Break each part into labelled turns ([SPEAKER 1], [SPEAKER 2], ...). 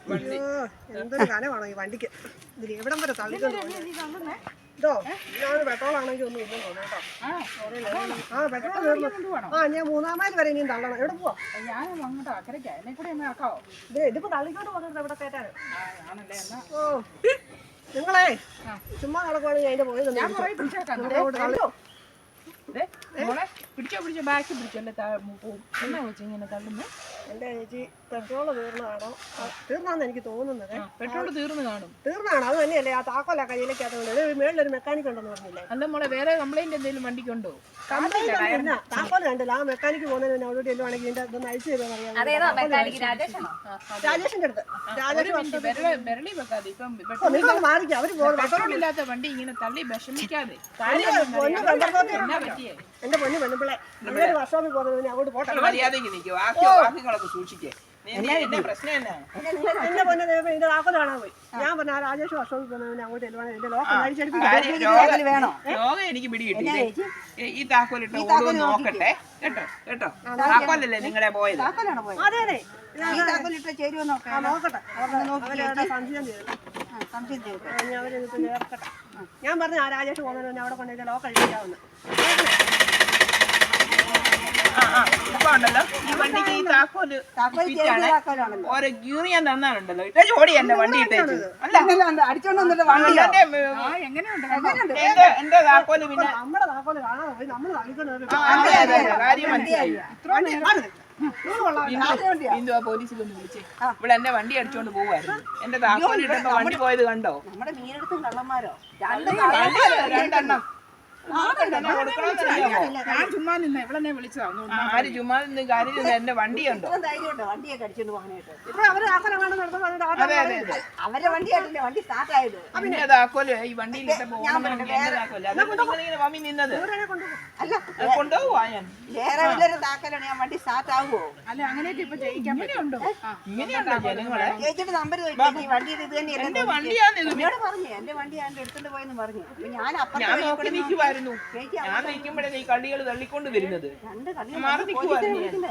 [SPEAKER 1] എന്തൊരു കനമാണോ ഈ വണ്ടിക്ക്. ഇതിൽ എവിടം വരെ തള്ളിക്കൊണ്ട് ഇതോ ഞാൻ പെട്രോളാണെങ്കിൽ ഒന്നും ഇല്ലെന്ന് തോന്നുന്നു കേട്ടോ. പെട്രോൾ തീർന്നു. ഞാൻ 3-ാം മൈൽ വരെ ഇനിയും തള്ളണം. എവിടെ പോവാ? ഇതിപ്പോ തള്ളിക്കൊണ്ട് പോകുന്നത് എവിടെ കയറ്റാൻ? നിങ്ങളെ ചുമ്മാ നടക്കുവാണെങ്കിൽ അതിന്റെ പോയത്
[SPEAKER 2] പിടിച്ചോ ബാക്കി പിടിച്ചോല്ലേ എന്നാ വെച്ച് ഇങ്ങനെ തള്ളുന്നു.
[SPEAKER 1] എന്റെ ചേച്ചി പെട്രോള് തീർന്നതാണോ? തീർന്നാന്ന് എനിക്ക് തോന്നുന്നത്.
[SPEAKER 2] പെട്രോൾ തീർന്നാണോ?
[SPEAKER 1] അത് തന്നെയല്ലേ ആ താക്കോല കയ്യിലേക്കകത്തുണ്ട്. മേളിലൊരു മെക്കാനിക് ഉണ്ടെന്ന് പറഞ്ഞില്ലേ?
[SPEAKER 2] അല്ല മോളെ വേറെ കംപ്ലൈന്റ് എന്തെങ്കിലും വണ്ടിക്കുണ്ടോ?
[SPEAKER 1] താക്കോല കണ്ടില്ല. ആ മെക്കാനിക്ക് പോകുന്നതിന് അവിടെ ചെല്ലുവാണെങ്കിൽ ഇതിന്റെ ഇതൊന്ന് അയച്ചു തരുമെന്ന് രാജേഷിന്റെ അടുത്ത്. മാറിക്കാം. അവര്
[SPEAKER 2] പെട്രോളില്ലാത്ത വണ്ടി ഇങ്ങനെ തള്ളി വിഷമിക്കാതെ.
[SPEAKER 1] എന്റെ പൊന്നു പെണ്ണുപിള്ളെ നല്ലൊരു വർഷോപ്പിൽ പോകുന്നതിന് അങ്ങോട്ട് പോട്ടെ.
[SPEAKER 3] എന്റെ
[SPEAKER 1] പൊന്നു ഇതിന്റെ താക്കോല് കാണാൻ പോയി. ഞാൻ പറഞ്ഞ ആ രാജേഷ് വർഷോപ്പിൽ പോകുന്നതിന് അങ്ങോട്ട് ചെല്ലുവാണെങ്കിൽ എന്റെ ലോകം
[SPEAKER 3] രോഗം എനിക്ക് പിടികിട്ടി. ഈ താക്കോലിട്ട് നോക്കട്ടെ കേട്ടോ കേട്ടോ. താക്കോലല്ലേ നിങ്ങളെ പോയത്?
[SPEAKER 1] അതെ അതെ
[SPEAKER 4] നോക്കട്ടെ.
[SPEAKER 1] സംശയം ചെയ്തു. ഞാൻ പറഞ്ഞു ആ രാജേഷ് പോകുന്നതിന് അവിടെ കൊണ്ടുപോയി ലോകം കഴിക്കാവുന്ന.
[SPEAKER 3] ഇപ്പൊ ഉണ്ടല്ലോ ഈ വണ്ടിക്ക് ഈ താക്കോല് ഓരോ യൂറിയൻ തന്നാലുണ്ടല്ലോ ഇട്ട ജോഡി എന്റെ വണ്ടി ഇട്ടേച്ചു. എന്റെ താക്കോല് പിന്നെ
[SPEAKER 1] നമ്മുടെ താക്കോല് കാണാതെ പോയി നമ്മള് തള്ളിക്കൊണ്ട്
[SPEAKER 3] കാര്യം മനസ്സിലായി. ബിന്ദു ആ പോലീസിലൊന്ന് വിളിച്ചേ. ഇവിടെ എന്റെ വണ്ടി അടിച്ചോണ്ട് പോവായിരുന്നു. എന്റെ താക്കോല് ഇട്ടപ്പോ വണ്ടി പോയത് കണ്ടോ?
[SPEAKER 4] നമ്മുടെ മീനെടുത്തും കള്ളന്മാരോ
[SPEAKER 3] രണ്ടെണ്ണം.
[SPEAKER 2] ഞാൻ ചുമ്മാ നിന്ന ഇവിടെ വിളിച്ചതാ.
[SPEAKER 3] ആര് ചുമ്മാ നിന്ന് കാര്യം എന്റെ വണ്ടിയുണ്ടോ?
[SPEAKER 4] വണ്ടിയൊക്കെ അടിച്ചോണ്ട് പോകാനായിട്ട്
[SPEAKER 1] ഇപ്പൊ അവര്
[SPEAKER 4] അവരുടെ വണ്ടിയായിട്ടില്ലേ വണ്ടി സ്റ്റാർട്ട് ആയത്.
[SPEAKER 3] പിന്നെ താക്കോല് ഈ വണ്ടിയിൽ ഇട്ടപ്പോ എന്റെ താക്കോല് അതിങ്ങനെ മമ്മി നിന്നത്.
[SPEAKER 4] അല്ല
[SPEAKER 3] കൊണ്ടുപോവാ ഞാൻ.
[SPEAKER 4] വേറെ വല്ലൊരു താക്കലാണ് ഞാൻ വണ്ടി സ്റ്റാർട്ട് ആകുമോ?
[SPEAKER 2] അല്ല അങ്ങനെയൊക്കെ ഇപ്പൊ ചെയ്യിക്കാൻ പറ്റുന്നുണ്ടോ?
[SPEAKER 3] ഇങ്ങനെയുണ്ടോ ജനങ്ങളെ?
[SPEAKER 4] ചേച്ചിട്ട് നമ്പർ ഈ വണ്ടി ഇത് തന്നെയല്ലേ
[SPEAKER 3] എന്റെ വണ്ടിയാന്ന്
[SPEAKER 4] എന്നോട് പറഞ്ഞു. എന്റെ വണ്ടി ഞാൻ എടുത്തോണ്ട് പോയെന്ന് പറഞ്ഞു. ഞാൻ
[SPEAKER 3] നോക്കി നിൽക്കുവായിരുന്നു. ഞാൻ നിൽക്കുമ്പോഴേ ഈ കള്ളികൾ തള്ളിക്കൊണ്ട് വരുന്നത്. മാറി നിൽക്കുവായിരുന്നു.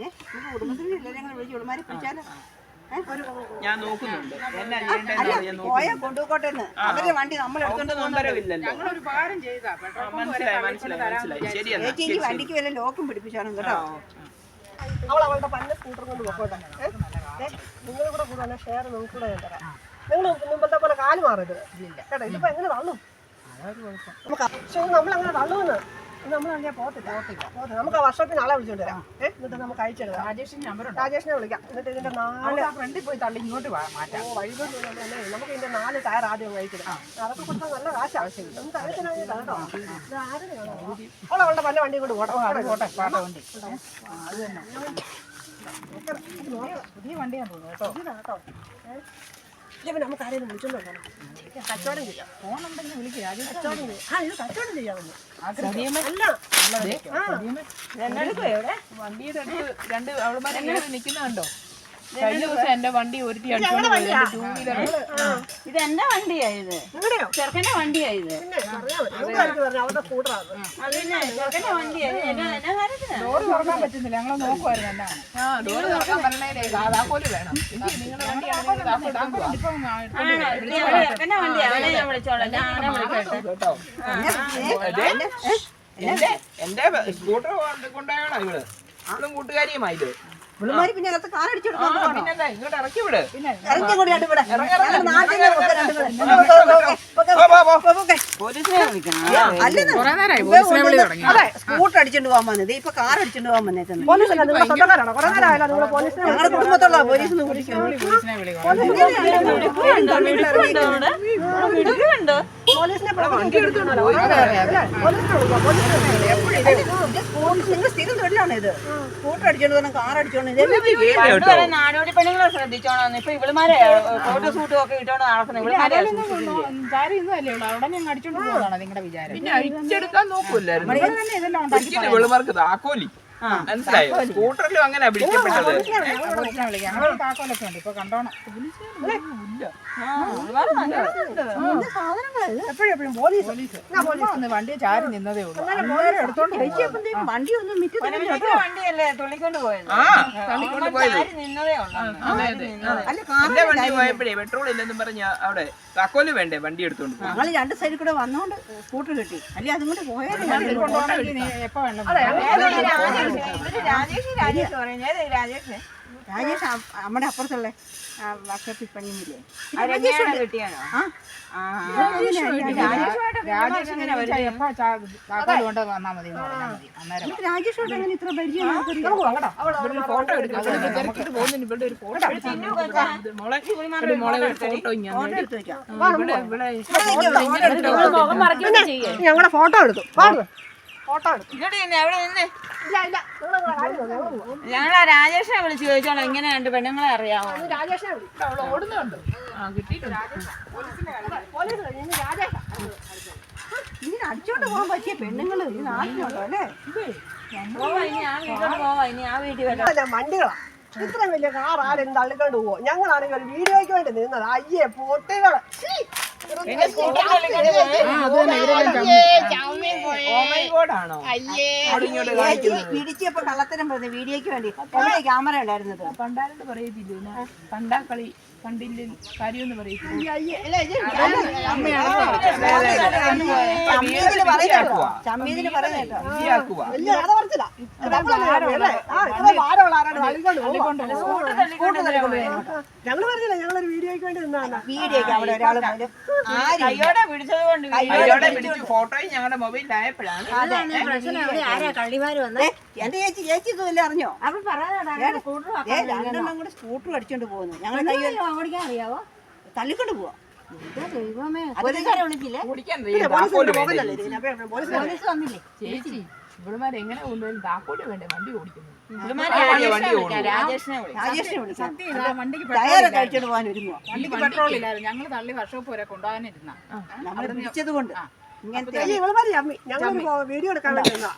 [SPEAKER 3] ഞാൻ നോക്കുന്നുണ്ട് എന്നാ ചെയ്യേണ്ടതെന്ന്
[SPEAKER 4] പോയാ കൊണ്ടുപോട്ടെ. അവരുടെ വണ്ടി നമ്മൾ എടുത്തോണ്ട്
[SPEAKER 3] നമ്പരമില്ലല്ലോ.
[SPEAKER 2] ഞങ്ങളൊരു ഉപകാരം ചെയ്താ
[SPEAKER 3] മനസ്സിലായി. ശരിയാണ്.
[SPEAKER 4] ചേച്ചി വണ്ടിക്ക് വല്ല ലോക്കും പിടിപ്പിച്ചാണ് കേട്ടോ.
[SPEAKER 1] അവളുടെ പന്ന സ്കൂട്ടർ കൊണ്ട് പോകട്ടെ. നിങ്ങൾ കൂടെ കൂടെ ഷെയർ നിങ്ങൾക്ക് കൂടെ ഞാൻ തരാം. നിങ്ങൾ മുമ്പത്തെ പോലെ കാല് മാറരുത് കേട്ടോ. ഇതിപ്പോ എങ്ങനെ തള്ളും? പക്ഷെ നമ്മളങ്ങനെ തള്ളുമെന്ന് നമ്മൾ അങ്ങനെ പോകത്തില്ല. നമുക്ക് ആ വർഷത്തിന് ആളെ വിളിച്ചോണ്ട് വരാം. എന്നിട്ട് നമുക്ക് അയച്ചെടുക്കാം. രാജേഷിനെ വിളിക്കാം. എന്നിട്ട് ഇതിന്റെ 4
[SPEAKER 2] ഫ്രണ്ടിൽ പോയി തള്ളി ഇങ്ങോട്ട് മാറ്റാം.
[SPEAKER 1] വഴികൊന്നും നമുക്ക് ഇതിന്റെ 4 ടയർ ആദ്യം കഴിച്ചിടാം. അതൊക്കെ കൊടുത്താൽ നല്ല കാശ് ആവശ്യമില്ല. നമുക്ക് അറിയത്തിനാണ് കേട്ടോ. ഇത് ആരും അവളുടെ പല വണ്ടി കൊണ്ട് പോട്ടെ.
[SPEAKER 2] വണ്ടി അത് തന്നെ പുതിയ വണ്ടിയാന്ന് തോന്നുന്നു കേട്ടോ.
[SPEAKER 1] കേട്ടോ ഇല്ലെങ്കിൽ നമുക്ക് ആരെയും വിളിച്ചോണ്ടോ കച്ചവടം ചെയ്യാം.
[SPEAKER 2] ഫോണുണ്ടെങ്കിൽ വിളിക്കുക.
[SPEAKER 1] ഇത് കച്ചവടം ചെയ്യാമെന്ന്
[SPEAKER 3] വണ്ടിയുടെ അടുത്ത് രണ്ട് അവളുമാരെ നിൽക്കുന്നുണ്ടോ? കഴിഞ്ഞ ദിവസം എന്റെ വണ്ടി ഒരുത്തി അടിച്ചോണ്ട് പോയി. ടൂ വീലർ
[SPEAKER 4] ഇത് എന്റെ വണ്ടിയായത്. ചെറുക്കന്റെ വണ്ടിയായത്.
[SPEAKER 1] അവരുടെ സ്കൂട്ടറാണ്.
[SPEAKER 4] ചെറുക്കന്റെ വണ്ടിയായത്.
[SPEAKER 2] ഡോറ് തുറക്കാൻ പറ്റുന്നില്ല. ഞങ്ങൾ നോക്കുമായിരുന്നു എന്നാണ്.
[SPEAKER 3] ഡോറ് തുറക്കാൻ പറഞ്ഞേ താക്കോല് വേണം. നിങ്ങളുടെ വണ്ടിയാണ്
[SPEAKER 4] ചെറുക്കന്റെ വണ്ടി അവനെ ഞാൻ വിളിച്ചോളാം.
[SPEAKER 3] കേട്ടോ. എന്റെ സ്കൂട്ടർ കൊണ്ടാണോ ഇവള്? അവളും കൂട്ടുകാരിയുമായത്.
[SPEAKER 4] പുള്ളിമാരി പിന്നെ അകത്ത് കാറടിച്ചെടുക്കാൻ
[SPEAKER 3] പിന്നെന്താ ഇങ്ങോട്ട് ഇറക്കി വിട്.
[SPEAKER 4] ഇറങ്ങി കൂടി ഇവിടെ അതെ സ്കൂട്ടർ അടിച്ചോണ്ട് പോകാൻ വന്നത്. ഇപ്പൊ കാർ അടിച്ചോണ്ട് പോകാൻ വന്നേക്കുന്നത്. ഞങ്ങളുടെ കുടുംബത്തുള്ള പോലീസിന് നിങ്ങൾ സ്ഥിരം തൊഴിലാണ് ഇത്. സ്കൂട്ടർ അടിച്ചോണ്ട് പോകണം, കാർ അടിച്ചോണ്ട് നാടോടി പെണ്ണുങ്ങളെ ശ്രദ്ധിച്ചോണം. ഇപ്പൊ ഇവളുമാരെ ഫോട്ടോ സൂട്ടും ഒക്കെ ഇട്ടോണ്ട് നടക്കുന്നത്.
[SPEAKER 2] അവിടെ ഞങ്ങൾ അടിച്ചോണ്ട് പോകുന്നതാണ് നിങ്ങളുടെ വിചാരം.
[SPEAKER 3] പിന്നെ അഴിച്ചെടുക്കാൻ നോക്കൂല്ലായിരുന്നു.
[SPEAKER 2] ഇതെല്ലാം ഉണ്ടാക്കി
[SPEAKER 3] വെളുമാർക്ക് താക്കോലി മനസ്സിലായോ സ്കൂട്ടറിലും അങ്ങനെ പിടിക്കപ്പെട്ടത്
[SPEAKER 2] പോലീസിനെ വിളിക്കാം ഞങ്ങൾ താക്കോലൊക്കെ ഉണ്ട് ഇപ്പൊ കണ്ടോണം
[SPEAKER 1] എപ്പോഴും പോലീസ്
[SPEAKER 2] ഒന്ന് വണ്ടി ചാരി നിന്നതേ ഉള്ളൂ അന്നേരം എടുത്തോണ്ട് പോവാ.
[SPEAKER 4] വണ്ടി ഒന്നും വണ്ടിയല്ലേ തുള്ളിക്കൊണ്ട് പോയത്
[SPEAKER 3] ആ തള്ളിക്കൊണ്ട് പോയത്
[SPEAKER 4] നിന്നതേ ഉള്ളൂ അല്ല
[SPEAKER 3] എന്റെ വണ്ടി പോയപ്പോഴേ പെട്രോൾ ഇല്ലെന്നും പറഞ്ഞ അവിടെ താക്കോല് വേണ്ടേ വണ്ടി എടുത്തോണ്ട് പോയി.
[SPEAKER 4] ഞങ്ങൾ രണ്ട് സൈഡിൽ കൂടെ വന്നോണ്ട് സ്കൂട്ടർ കിട്ടി അല്ലെ അതും കൂടെ പോയാലേ
[SPEAKER 2] വണ്ടി കൊണ്ടുപോകണമെങ്കിൽ നീ എപ്പോ വേണം
[SPEAKER 4] രാജേഷ് നമ്മുടെ അപ്പുറത്തുള്ള വർഷത്തിൽ പണിയുന്നില്ലേ
[SPEAKER 2] രാജേഷ് എങ്ങനെ എപ്പോ താക്കോല് കൊണ്ട് വന്നാൽ മതി എന്ന് പറഞ്ഞാൽ മതി അന്നേരം
[SPEAKER 4] രാജേഷോട്ട് അങ്ങനെ ഇത്ര പരിചയം
[SPEAKER 3] ഫോട്ടോ എടുക്കാം പോകുന്നതിന് ഇവിടെ ഒരു ഫോട്ടോ ഫോട്ടോ
[SPEAKER 1] ഞങ്ങളുടെ ഫോട്ടോ എടുത്തു ഫോട്ടോ എടുത്തു
[SPEAKER 4] ഞങ്ങളാ രാജേഷിനെ വിളിച്ച് ചോദിച്ചോളാം എങ്ങനെയുണ്ട് പെണ്ണുങ്ങളെ അറിയാമോ
[SPEAKER 1] രാജേഷിനെ
[SPEAKER 2] ഓടുന്നുണ്ട്
[SPEAKER 4] ഇങ്ങനെ അടിച്ചോണ്ട് പോകാൻ പറ്റിയ പെണ്ണുങ്ങള് ഈ നാട്ടിലുണ്ടോ അല്ലേ ഇനി ആ വീട്ടിൽ വരാം
[SPEAKER 1] വണ്ടികളാ ഇത്രയും വലിയ കാർ ആരും തള്ളിക്കൊണ്ട് പോവോ ഞങ്ങളാണെങ്കിൽ ഒരു വീഡിയോയ്ക്ക് വേണ്ടി നിന്നത് അയ്യേ പൊട്ടികള്
[SPEAKER 3] ആണോ
[SPEAKER 4] പിടിച്ചപ്പോ കള്ളത്തരം പറഞ്ഞു വീഡിയോയ്ക്ക് വേണ്ടി ക്യാമറ ഉണ്ടായിരുന്നത്
[SPEAKER 2] പണ്ടാരോട് പറയത്തില്ല പണ്ടാക്കളി കണ്ടില്ല കാര്യമൊന്നും പറയത്തില്ല
[SPEAKER 4] ചമ്മീതിന് പറയുന്നേട്ടോ
[SPEAKER 1] വലിയ കഥ പറച്ചില്ല ഭാരമുള്ള ആരാണ് തള്ളിക്കൊണ്ട് ഞങ്ങൾ പറഞ്ഞില്ല ഞങ്ങളൊരു വീഡിയോയ്ക്ക് വേണ്ടി നിന്നാണ്
[SPEAKER 4] വീഡിയോയ്ക്ക് അവിടെ ഒരാൾ പോലും
[SPEAKER 3] കയ്യോടെ പിടിച്ചത് കൊണ്ട് കയ്യോടെ പിടിച്ച് ഫോട്ടോയും ഞങ്ങളുടെ മൊബൈലിലായപ്പോഴാണ്
[SPEAKER 4] എന്റെ ചേച്ചി ഇതുമില്ല അറിഞ്ഞോ രണ്ടെണ്ണം കൂടെ സ്കൂട്ടർ അടിച്ചോണ്ട് പോകുന്നു ഞങ്ങൾ ഓടിക്കാൻ അറിയാവോ തള്ളിക്കൊണ്ട് പോവാ
[SPEAKER 2] ചേച്ചി ഇവിടുമാരെ എങ്ങനെ കൊണ്ടുപോയി താക്കോല് വേണ്ടേ വണ്ടി ഓടിക്കുന്നു
[SPEAKER 4] രാജേഷിനെ വിളിക്കാം
[SPEAKER 2] സത്യം വണ്ടിക്ക്
[SPEAKER 4] ടയറൊക്കെ അടിച്ചോണ്ട് പോകാൻ ഒരുങ്ങുവാ
[SPEAKER 2] വണ്ടിക്ക് പെട്രോൾ ഇല്ലായിരുന്നു ഞങ്ങൾ തള്ളി വർഷോപ്പ് വരെ കൊണ്ടുപോകാനിരുന്ന
[SPEAKER 4] നമ്മൾ പിടിച്ചത് കൊണ്ട് ഇങ്ങനത്തെ
[SPEAKER 1] ഞങ്ങൾ വീഡിയോ എടുക്കാൻ വേണ്ടി നിന്നാ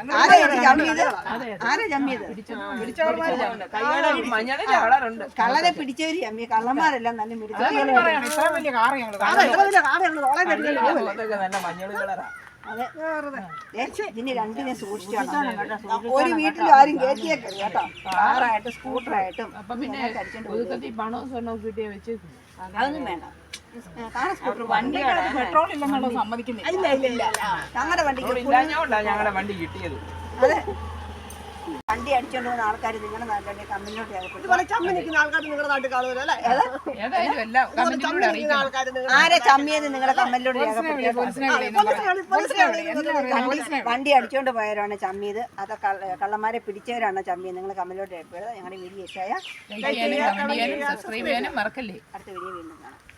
[SPEAKER 4] ആരാ ജമ്മിയത്
[SPEAKER 3] കയ്യോടെ മഞ്ഞളുടെ കളറുണ്ട്
[SPEAKER 4] കള്ളനെ പിടിച്ചവര് ജമ്മി കള്ളന്മാരെല്ലാം നല്ല മിടിച്ചത്
[SPEAKER 2] ഇത്ര വലിയ കാറ് ഞങ്ങൾ
[SPEAKER 1] എത്ര വലിയ കാർ ഞങ്ങൾ റോളെ കണ്ടില്ല
[SPEAKER 3] അതൊക്കെ നല്ല മഞ്ഞൾ കളറാ
[SPEAKER 4] അതെ ഇതിന് രണ്ടിനെ സൂക്ഷിച്ചോണം ഒരു വീട്ടിലും ആരും കയറ്റിയേക്കരുത് കേട്ടോ കാറായിട്ടും സ്കൂട്ടറായിട്ടും
[SPEAKER 2] അപ്പൊ പിന്നെ ഒതുക്കത്തിൽ പണവും സ്വർണ്ണവും കിട്ടിയ വെച്ചേക്കും
[SPEAKER 4] അതൊന്നും വേണ്ട കാറ് സ്കൂട്ടർ വണ്ടി
[SPEAKER 2] പെട്രോൾ ഇല്ലെന്നുള്ളത് സമ്മതിക്കുന്നില്ല
[SPEAKER 4] ഞങ്ങളുടെ വണ്ടിക്ക്
[SPEAKER 3] ഇല്ലാഞ്ഞോണ്ടാ ഞങ്ങളുടെ വണ്ടി കിട്ടിയത്
[SPEAKER 4] അതെ വണ്ടി അടിച്ചോണ്ട് പോകുന്ന ആൾക്കാർ നിങ്ങളുടെ നാട്ടിലെ കമ്പനിയിലോട്ട്
[SPEAKER 1] ഇതുപോലെ ചമ്മി നിൽക്കുന്ന ആൾക്കാർ നിങ്ങളുടെ നാട്ടിൽ കാണുമല്ലോ അല്ലേ
[SPEAKER 2] ഏതായാലും എല്ലാം
[SPEAKER 1] ചമ്മി നിൽക്കുന്ന ആൾക്കാർ
[SPEAKER 4] ആരെ ചമ്മിയത് നിങ്ങളുടെ കമ്പനിയിലോട്ട് വണ്ടി അടിച്ചോണ്ട് പോയവരാണ് ചമ്മിയത് അത് കള്ളന്മാരെ പിടിച്ചവരാണ് ചമ്മിയത് നിങ്ങൾ കമ്പനിയിലോട്ട് ഞങ്ങളുടെ വീഡിയോ ഇഷ്ടമായ
[SPEAKER 2] സബ്സ്ക്രൈബ് ചെയ്യാനും മറക്കല്ലേ
[SPEAKER 4] അടുത്ത വീഡിയോ വീണ്ടും കാണാം.